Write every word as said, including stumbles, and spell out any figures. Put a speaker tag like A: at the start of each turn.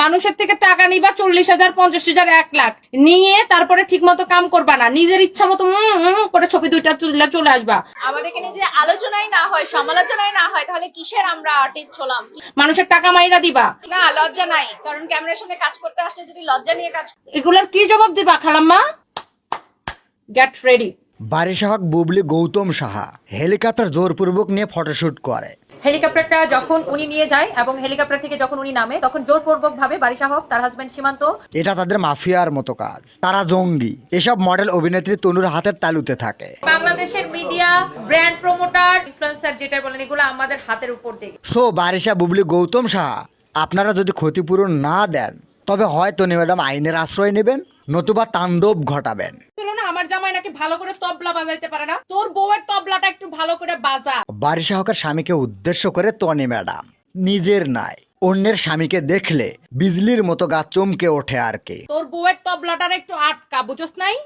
A: মানুষের থেকে টাকা নিবা চল্লিশ হাজার পঞ্চাশ হাজার এক লাখ নিয়ে তারপরে ঠিক মতো কাম করবা না, নিজের ইচ্ছা মতো করে ছবি দুইটা তুলে চলে আসবা।
B: আমাদেরকে নিয়ে যে আলোচনাই না হয়, সমালোচনাই না হয়, তাহলে কিসের আমরা আর্টিস্ট হলাম?
A: মানুষের টাকা মাইরা দিবা
B: না, লজ্জা নাই, কারণ ক্যামেরার সামনে কাজ করতে আসলে যদি লজ্জা নিয়ে কাজ।
A: এগুলার কি জবাব দিবা খালাম্মা? Get ready.
C: Barisha Haque Bubly Goutam Saha helicopter জোরপূর্বক নিয়ে ফটোশুট করে।
D: হেলিকপ্টারটা যখন উনি নিয়ে যায় এবং হেলিকপ্টার থেকে যখন উনি নামে তখন জোরপূর্বক ভাবে বারিশা হক, তার হাজবেন্ড সীমান্ত,
C: এটা তাদের মাফিয়ার মতো কাজ। তারা জঙ্গি। এসব মডেল অভিনেত্রী তনুর হাতের তালুতে থাকে।
D: বাংলাদেশের মিডিয়া, ব্র্যান্ড প্রমোটার, ইনফ্লুয়েন্সার যেটা বলেন, এগুলো আমাদের হাতের উপর দিয়ে।
C: সো বারিশা বুবলি গৌতম সাহা, আপনারা যদি ক্ষতিপূরণ না দেন তবে হয় তনি ম্যাডাম আইনের আশ্রয় নেবেন, নতুবা তাণ্ডব ঘটাবেন।
A: আমার জামাই নাকি ভালো করে তবলা বাজাইতে পারে না, তোর বউয়ের তবলাটা একটু ভালো করে বাজা।
C: বারিশা হকের স্বামীকে উদ্দেশ্য করে তনি ম্যাডাম, নিজের নাই অন্যের স্বামীকে দেখলে বিজলির মতো গা চমকে ওঠে আর কি।
A: তোর বউয়ের তবলাটার একটু আটকা, বুঝছ নাই?